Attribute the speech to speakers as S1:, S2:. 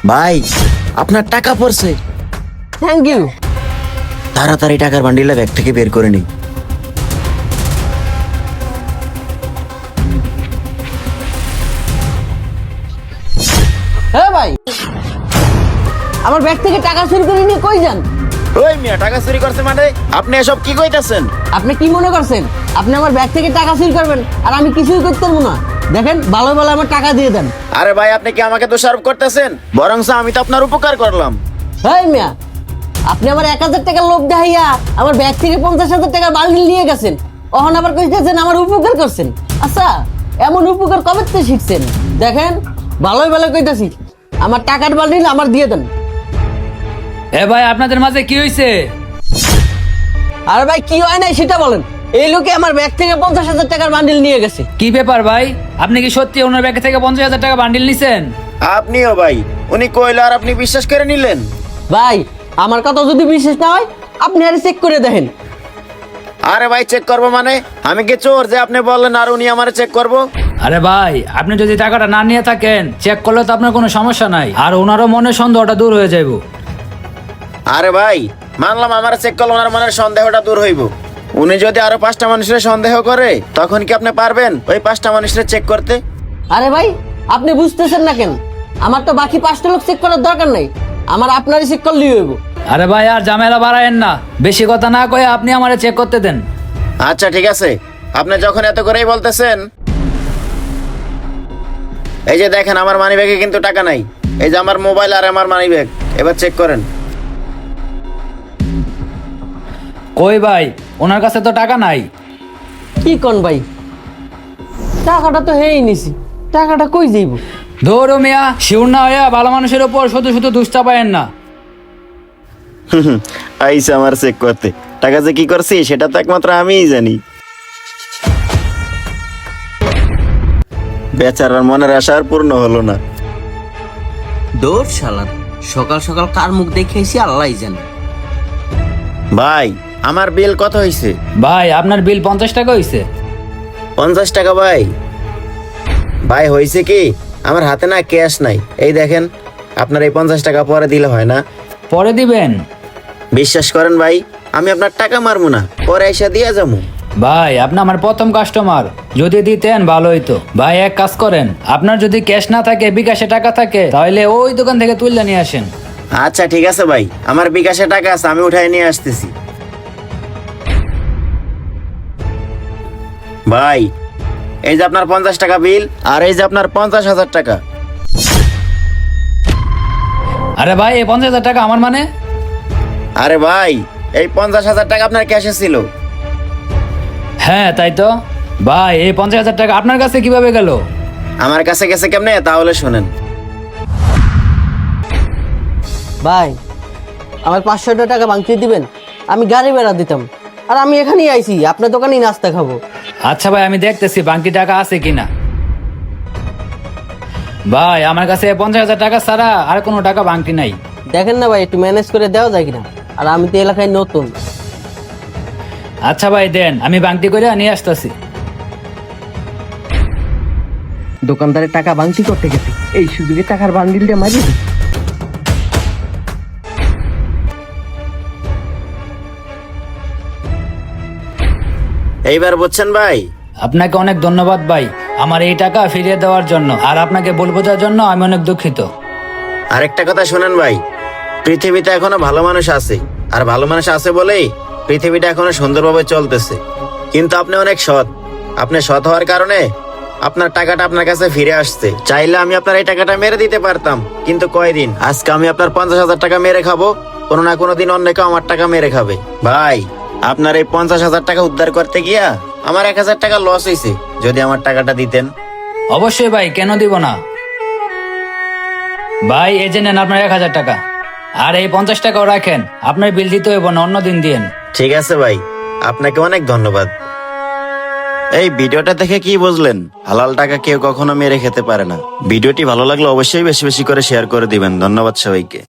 S1: ভাই আপনার টাকা পড়ছে।
S2: Thank you.
S1: তাড়াতাড়ি টাকার বান্ডিলটা ব্যাগ থেকে বের করে নিই।
S2: হ্যাঁ ভাই, আমার ব্যাগ থেকে টাকা চুরি করে নিয়ে কই যান?
S1: ওই মিয়া, টাকা চুরি করছে মানে? আপনি এসব কি কইতাছেন?
S2: আপনি কি মনে করছেন আপনি আমার ব্যাগ থেকে টাকা চুরি করবেন আর আমি কিছুই করতে পারবো না? দেখেন, ভালো ভালো আমার টাকা দিয়ে দেন।
S1: আরে ভাই, আপনি কি আমাকে দোষারোপ করতেছেন? বরংস আমি তো আপনার উপকার করলাম।
S2: হ্যাঁ মিয়া, আপনি আমার 1,000 টাকার লোভ দেখাইয়া আমার ব্যাগ থেকে 50,000 টাকার বান্ডিল নিয়ে গেছেন। অহন আবার কইতেছেন আমার উপকার করছেন। আচ্ছা, এমন উপকার কবে থেকে শিখছেন? দেখেন, ভালোই ভালো কইতাছি, আমার টাকার বান্ডিল আমার দিয়ে দেন।
S3: এ ভাই, আপনাদের মাঝে কি হয়েছে?
S2: আরে ভাই, কি হয় নাই সেটা বলেন। এই লোকে আমার ব্যাগ থেকে 50,000 টাকার বান্ডিল নিয়ে গেছে।
S3: কি ব্যাপার ভাই, আপনি কি সত্যি ওনার ব্যাগ থেকে 50,000 টাকা বান্ডিল নিছেন?
S1: আপনিও ভাই, উনি কইলো আর আপনি বিশ্বাস করে নিলেন?
S2: ভাই, আমার কথা যদি বিশ্বাস না হয় আপনি আরে চেক করে দেখেন।
S1: আরে ভাই, চেক করবো মানে? আমি কি চোর যে আপনি বললেন আর উনি আমারে চেক করবো?
S3: আরে ভাই, আপনি যদি টাকাটা না নিয়ে থাকেন, চেক করলে তো আপনার কোনো সমস্যা নাই, আর ওনারও মনে সন্দেহটা দূর হয়ে যাইব।
S1: আরে ভাই, মানলাম আমার চেক করলে ওনার মনের সন্দেহটা দূর হইব। উনি যদি আরো 5টা মানুষের সন্দেহ করে, তখন কি আপনি পারবেন ওই 5টা মানুষের চেক করতে?
S2: আরে ভাই, আপনি বুঝতেছেন না কেন? আমার তো বাকি 5টা লোক চেক করার দরকার নাই, আমার আপনারই চেক করলেই হইব।
S3: আরে ভাই, আর ঝামেলা বাড়ায়েন না, বেশি কথা না কয়ে আপনি আমারে চেক করতে দেন।
S1: আচ্ছা ঠিক আছে, আপনি যখন এত করেই বলতেছেন, এই যে দেখেন আমার মানি ব্যাগে কিন্তু টাকা নাই। এই যে আমার মোবাইল আর আমার মানি ব্যাগ, এবার চেক করেন।
S3: কই ভাই, ওনার কাছে তো টাকা নাই।
S2: কি কোন ভাই, টাকাটা তো হেই নিছি, টাকাটা কই যাইব?
S3: ধরো মিয়া, শিউর না হইয়া ভালো মানুষের উপর শুধু শুধু দুষ্টা পায়েন না।
S1: আইসা আমার চেক করতে, টাকা যে কি করছি সেটা তো একমাত্র আমিই জানি। বেচারার মনের আশা আর পূর্ণ হলো না।
S4: দৌড় শালার, সকাল সকাল কার মুখ দেখেছি আল্লাহই জানে।
S1: ভাই, আমার বিল কত হয়েছে?
S3: ভাই, আপনার বিল 50 টাকা হইছে।
S1: 50 টাকা? ভাই ভাই হয়েছে কি, আমার হাতে না ক্যাশ নাই। এই দেখেন, আপনার এই 50 টাকা পরে দিলে হয় না?
S3: পরে দিবেন?
S1: বিশ্বাস করেন ভাই, আমি আপনার টাকা মারবো না, পরে এসে দিয়ে যাবো।
S3: ভাই, আপনি আমার প্রথম কাস্টমার, যদি দিতেন ভালো হইতো। ভাই, এক কাজ করেন, আপনার যদি ক্যাশ না থাকে, বিকাশে টাকা থাকে, তাহলে ওই দোকান থেকে তুলে নিয়ে আসেন।
S1: আচ্ছা ঠিক আছে ভাই, আমার বিকাশে টাকা আছে, আমি উঠাই নিয়ে আসতেছি। ভাই, এই যে আপনার 50 টাকা বিল, আর এই যে আপনার 50,000 টাকা।
S3: আরে ভাই, এই 50,000 টাকা আমার মানে?
S1: আরে ভাই, এই 50,000 টাকা আপনার ক্যাশে ছিল।
S3: হ্যাঁ তাই তো। ভাই, এই 50,000 টাকা আপনার কাছে কিভাবে গেল?
S1: আমার কাছে গেছে কেমনে, তাহলে শোনেন।
S2: ভাই, আমার 500 টাকা বাংকিয়ে দিবেন, আমি গাড়ি ভাড়া দিতাম। আর আমি এখানেই আইছি, আপনার দোকানেই নাস্তা খাবো।
S3: আচ্ছা ভাই, আমি দেখতেছি বাকি টাকা আছে কিনা। ভাই, আমার কাছে 50,000 টাকা ছাড়া আর কোনো টাকা বাকি নাই।
S2: দেখেন না ভাই, একটু ম্যানেজ করে দেওয়া যায় কিনা? আর আমি তো এলাকায় নতুন।
S3: আচ্ছা ভাই, দেন, আমি বাংটি করে নিয়ে আসতেছি।
S2: দোকানদারের টাকা বাংতি করতে গেছে, এই সুযোগে টাকার বান্ডিলটা মারি।
S1: এইবার বুঝছেন ভাই?
S3: আপনাকে অনেক ধন্যবাদ ভাই, আমার এই টাকা ফিরিয়ে দেওয়ার জন্য। আর আপনাকে ভুল বোঝার জন্য আমি অনেক দুঃখিত।
S1: আরেকটা কথা শোনেন ভাই, পৃথিবীতে এখনো ভালো মানুষ আছে, আর ভালো মানুষ আছে বলেই পৃথিবীটা এখনো সুন্দরভাবে চলতেছে। কিন্তু আপনি অনেক সৎ, আপনি সৎ হওয়ার কারণে আপনার টাকাটা আপনার কাছে ফিরে আসছে। চাইলে আমি আপনার এই টাকাটা মেরে দিতে পারতাম, কিন্তু কয়দিন, আজকে আমি আপনার 50,000 টাকা মেরে খাবো, কোনো না কোনো দিন অন্য কেউ আমার টাকা মেরে খাবে। ভাই, আপনার এই 50,000 টাকা উদ্ধার করতে গিয়া আমার 1,000 টাকা লস হয়েছে, যদি আমার টাকাটা দিতেন।
S3: অবশ্যই ভাই, কেন দিব না। ভাই, এই যে নেন আপনার 1,000 টাকা, আর এই 50 টাকাও রাখেন, আপনার বিল দিতে হইব না, অন্য দিন দিয়েন।
S1: ঠিক আছে ভাই, আপনাকে অনেক ধন্যবাদ। এই ভিডিওটা দেখে কি বুঝলেন? হালাল টাকা কেউ কখনো মেরে খেতে পারে না। ভিডিওটি ভালো লাগলে অবশ্যই বেশি বেশি করে শেয়ার করে দিবেন। ধন্যবাদ সবাইকে।